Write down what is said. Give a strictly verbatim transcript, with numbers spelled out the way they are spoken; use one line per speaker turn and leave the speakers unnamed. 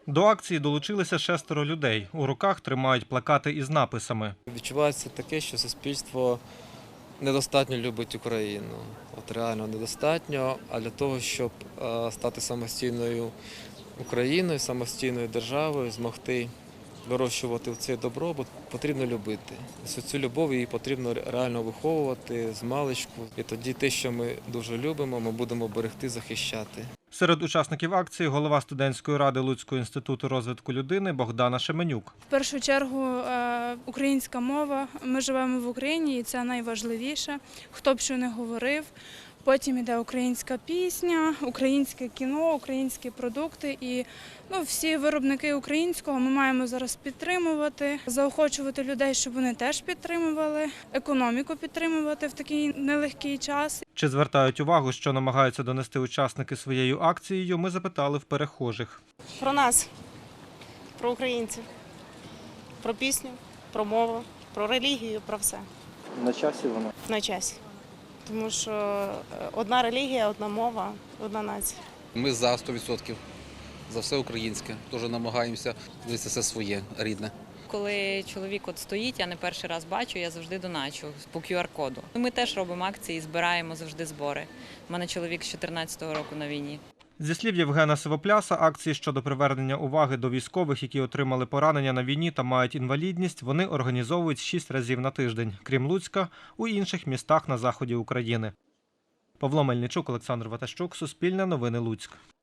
До акції долучилися шестеро людей. У руках тримають плакати із написами.
Відчувається таке, що суспільство недостатньо любить Україну. От реально недостатньо, а для того, щоб стати самостійною Україною, самостійною державою, змогти вирощувати цей добробут, потрібно любити. Цю любов її потрібно реально виховувати з маличку. І тоді те, що ми дуже любимо, ми будемо берегти, захищати.
Серед учасників акції голова студентської ради Луцького інституту розвитку людини Богдана Шеменюк.
В першу чергу українська мова. Ми живемо в Україні і це найважливіше. Хто б що не говорив. Потім йде українська пісня, українське кіно, українські продукти. І ну, всі виробники українського ми маємо зараз підтримувати, заохочувати людей, щоб вони теж підтримували, економіку підтримувати в такий нелегкий час.
Чи звертають увагу, що намагаються донести учасники своєю акцією, ми запитали в перехожих.
Про нас, про українців, про пісню, про мову, про релігію, про все.
На часі воно?
На часі. Тому що одна релігія, одна мова, одна нація.
Ми за сто відсотків, за все українське. Теж намагаємося дивитися все своє, рідне.
Коли чоловік от стоїть, я не перший раз бачу, я завжди доначу по ку ар коду. Ми теж робимо акції, збираємо завжди збори. У мене чоловік з чотирнадцятого року на війні.
Зі слів Євгена Сивопляса, акції щодо привернення уваги до військових, які отримали поранення на війні та мають інвалідність, вони організовують шість разів на тиждень, крім Луцька, у інших містах на заході України. Павло Мельничук, Олександр Ватащук, Суспільне новини, Луцьк.